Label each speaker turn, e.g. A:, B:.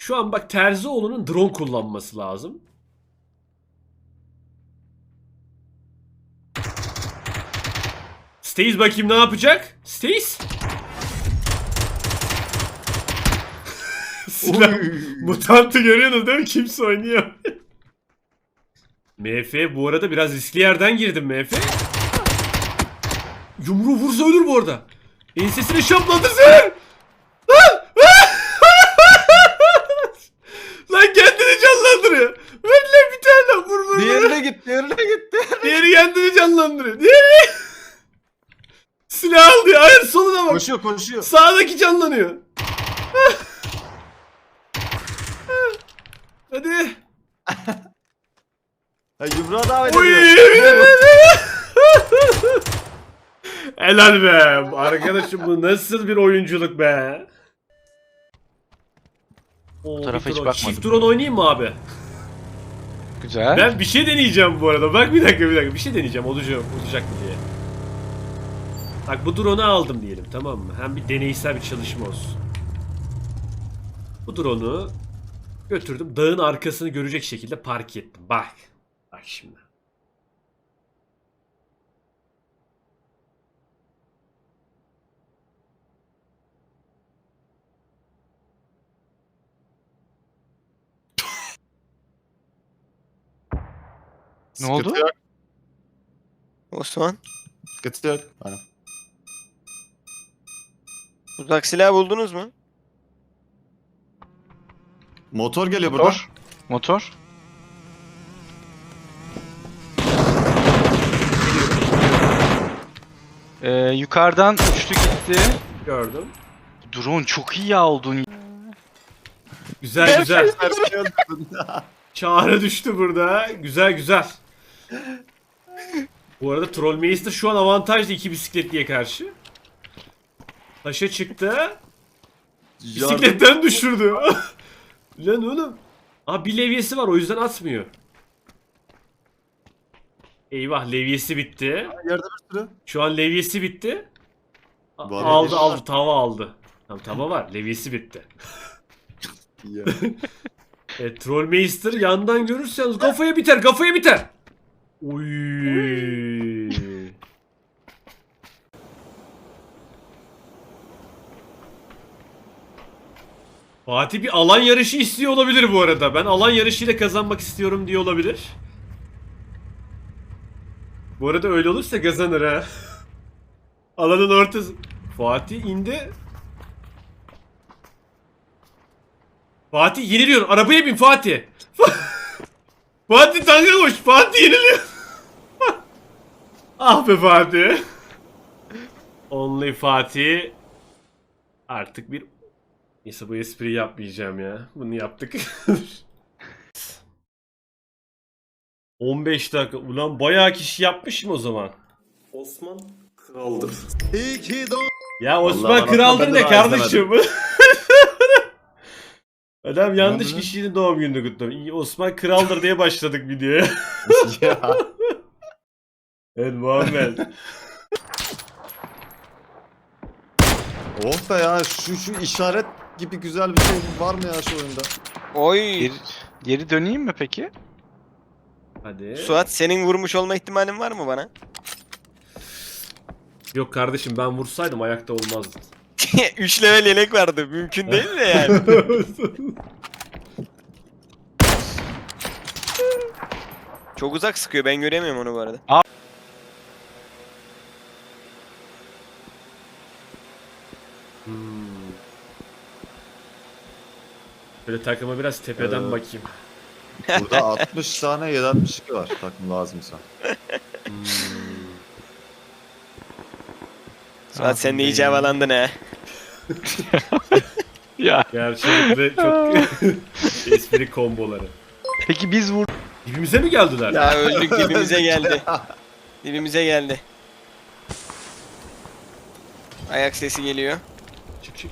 A: Şu an bak Terzioğlu'nun drone kullanması lazım. Stace bakayım ne yapacak? Stace? Silah. Mutantı görüyorsunuz değil mi? Kimse oynuyor. MF bu arada biraz riskli yerden girdim MF. Yumruğu vursa ölür bu arada. Ensesine şaplandırsın. Lan kendini canlandırıyor. Ver lan bir tane vur.
B: Diğerine gitti.
A: Diğeri kendini canlandırıyor. Diğeri. Silah al diyor. Hayır soluna bak.
B: Koşuyor.
A: Sağdaki canlanıyor. Hadi.
B: Ha, yumruğa davet
A: Uy.
B: ediyor.
A: Helal be. Arkadaşım bu nasıl bir oyunculuk be.
C: Bu tarafa hiç
A: drone.
C: bakmadım.
A: Çift drone oynayayım mı abi?
C: Güzel.
A: Ben bir şey deneyeceğim bu arada. Bak bir dakika. Bir şey deneyeceğim. Olacak mı diye. Bak bu drone'u aldım diyelim, tamam mı? Hem bir deneysel bir çalışma olsun. Bu drone'u götürdüm. Dağın arkasını görecek şekilde park ettim. Bak. Bak şimdi.
C: Ne oldu?
B: Sıkıntı yok.
D: Osman,
B: Sıkıntı yok. Aynen.
D: uzak silah buldunuz mu?
B: Motor geliyor buradan.
C: Motor. Yukarıdan uçtu gitti.
A: Gördüm.
C: Drone çok iyi ya oldun.
A: Güzel güzel. Çağrı düştü burada. Güzel. Bu arada Trollmeister şu an avantajlı iki bisikletliye karşı. Taşa çıktı. Bisikletten düşürdü. Lan oğlum. Aa bir levyesi var, o yüzden atmıyor. Eyvah, levyesi bitti.
B: Yerde bir sürü.
A: Şu an levyesi bitti.
B: Var
A: Aldı tava aldı. Tamam, tava var, levyesi bitti.
B: Ya.
A: Trollmeister yandan görürseniz kafaya biter. Uy. Fatih bir alan yarışı istiyor olabilir bu arada. Ben alan yarışıyla kazanmak istiyorum diye olabilir. Bu arada öyle olursa kazanır ha. Alanın ortası. Fatih indi. Fatih yeniliyor. Arabaya bin Fatih. Fatih tanka koş. Fatih yeniliyor. Ah be Fatih. Only Fatih. Artık bir... Neyse bu espriyi yapmayacağım ya. Bunu yaptık. 15 dakika. Ulan bayağı kişi yapmışım o zaman.
E: Osman kraldır.
B: İyi ki doğdun.
A: Ya Osman
B: Vallahi
A: kraldır
B: ben
A: ne
B: daha
A: kardeşim? Adam yanlış
B: Ne oldu?
A: kişinin doğum gününü kutlamış. İyi, Osman kraldır diye başladık videoya.
B: Ya.
A: Evet Muhammed.
B: Oh be ya, şu işaret gibi güzel bir şey var mı ya şu oyunda?
D: Oy!
C: Geri döneyim mi peki?
A: Hadi.
D: Suat, senin vurmuş olma ihtimalin var mı bana?
A: Yok kardeşim, ben vursaydım ayakta olmazdı.
D: 3 level yelek vardı. Mümkün değil de yani. Çok uzak sıkıyor. Ben göremiyorum onu bu arada.
A: Böyle takıma biraz tepeden bakayım.
B: Burada 60 tane 762 var takım lazımsa.
D: Suat, sen de iyice havalandın ha.
C: Ya.
A: Gerçekten çok espri komboları.
C: Peki biz
A: Dibimize mi geldiler?
D: Ya öldük, dibimize geldi. Dibimize geldi. Ayak sesi geliyor.
A: Çık.